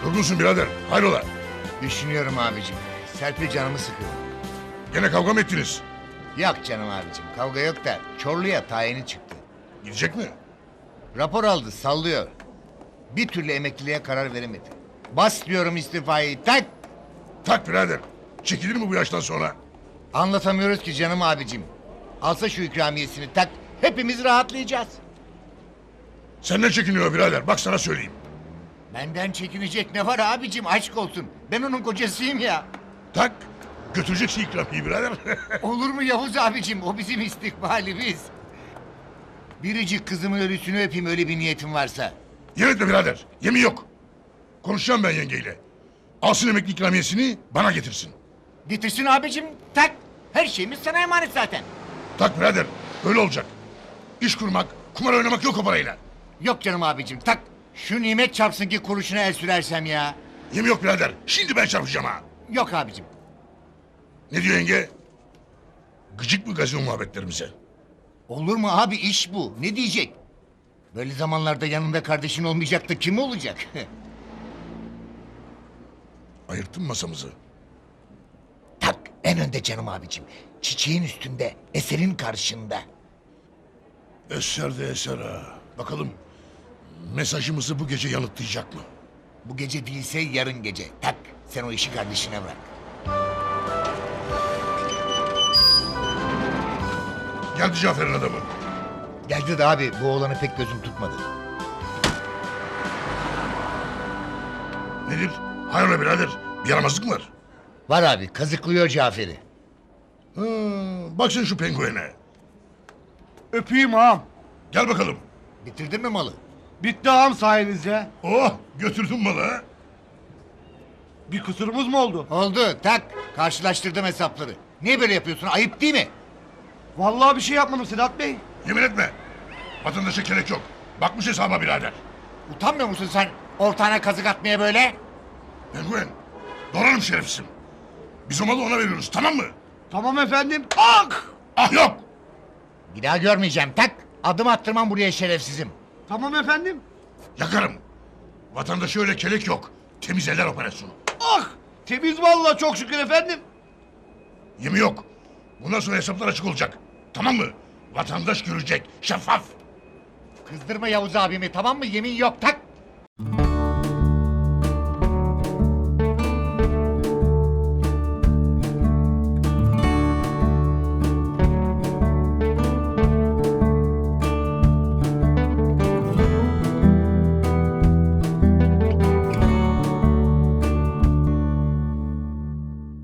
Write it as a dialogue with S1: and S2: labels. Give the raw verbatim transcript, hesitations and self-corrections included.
S1: Yorgunsun birader. Hayrola?
S2: Düşünüyorum abicim. Serpil canımı sıkıyor.
S1: Gene kavga mı ettiniz?
S2: Yok canım abicim, kavga yok da Çorlu'ya tayini çıktı.
S1: Gidecek mi?
S2: Rapor aldı, sallıyor. Bir türlü emekliliğe karar veremedi. Bas diyorum istifayı, tak!
S1: Tak birader. Çekilir mi bu yaştan sonra?
S2: Anlatamıyoruz ki canım abicim. Alsa şu ikramiyesini tak, hepimiz rahatlayacağız.
S1: Senden çekiniyor birader. Bak sana söyleyeyim.
S2: Benden çekinecek ne var abicim, aşk olsun. Ben onun kocasıyım ya.
S1: Tak. Götüreceksin ikramiyi birader.
S2: Olur mu Yavuz abicim, o bizim istikbalimiz. Biricik kızımın ölüsünü öpeyim, öyle bir niyetim varsa.
S1: Yemin etme birader. Yemin yok. Konuşacağım ben yengeyle. Alsın emekli ikramiyesini bana getirsin.
S2: Getirsin abicim, tak. Her şeyimiz sana emanet zaten.
S1: Tak birader. Öyle olacak. İş kurmak, kumar oynamak yok o parayla.
S2: Yok canım abicim, tak. Şu nimet çarpsın ki kuruşuna el sürersem ya.
S1: Yemin yok birader. Şimdi ben çarpacağım ha.
S2: Yok abicim.
S1: Ne diyor yenge? Gıcık mı gazino muhabbetlerimize?
S2: Olur mu abi, iş bu. Ne diyecek? Böyle zamanlarda yanında kardeşin olmayacak da kim olacak?
S1: Ayırttın masamızı.
S2: Tak, en önde canım abicim. Çiçeğin üstünde, eserin karşında.
S1: Eser de eser ha. Bakalım mesajımızı bu gece yanıtlayacak mı?
S2: Bu gece değilse yarın gece. Tak, sen o işi kardeşine bırak.
S1: Geldi Cafer'in adamı.
S2: Geldi de abi, bu oğlanı pek gözüm tutmadı.
S1: Nedir? Hayrola birader? Bir yaramazlık mı var?
S2: Var abi, kazıklıyor Cafer'i.
S1: Ha, bak sen şu penguene.
S3: Öpeyim ağam.
S1: Gel bakalım.
S2: Bitirdin mi malı?
S3: Bitti ağam sayenizde.
S1: Oh, götürdün malı ha.
S3: Bir kusurumuz mu oldu?
S2: Oldu, tak. Karşılaştırdım hesapları. Niye böyle yapıyorsun? Ayıp değil mi?
S3: Vallahi bir şey yapmadım Sedat Bey.
S1: Yemin etme. Vatandaşa gerek yok. Bakmış hesaba birader.
S2: Utanmıyor musun sen ortağına kazık atmaya böyle?
S1: Penguen, doğranım şerefsizim. Biz o malı ona veriyoruz, tamam mı?
S3: Tamam efendim. Ak!
S1: Ah yok.
S2: Bir daha görmeyeceğim, tak. Adım attırmam buraya şerefsizim.
S3: Tamam efendim.
S1: Yakarım. Vatandaşa öyle kelek yok. Temiz eller operasyonu.
S3: Ah! Temiz vallahi çok şükür efendim.
S1: Yemin yok. Bundan sonra hesaplar açık olacak. Tamam mı? Vatandaş görecek. Şeffaf.
S2: Kızdırma Yavuz abimi, tamam mı? Yemin yok, tak.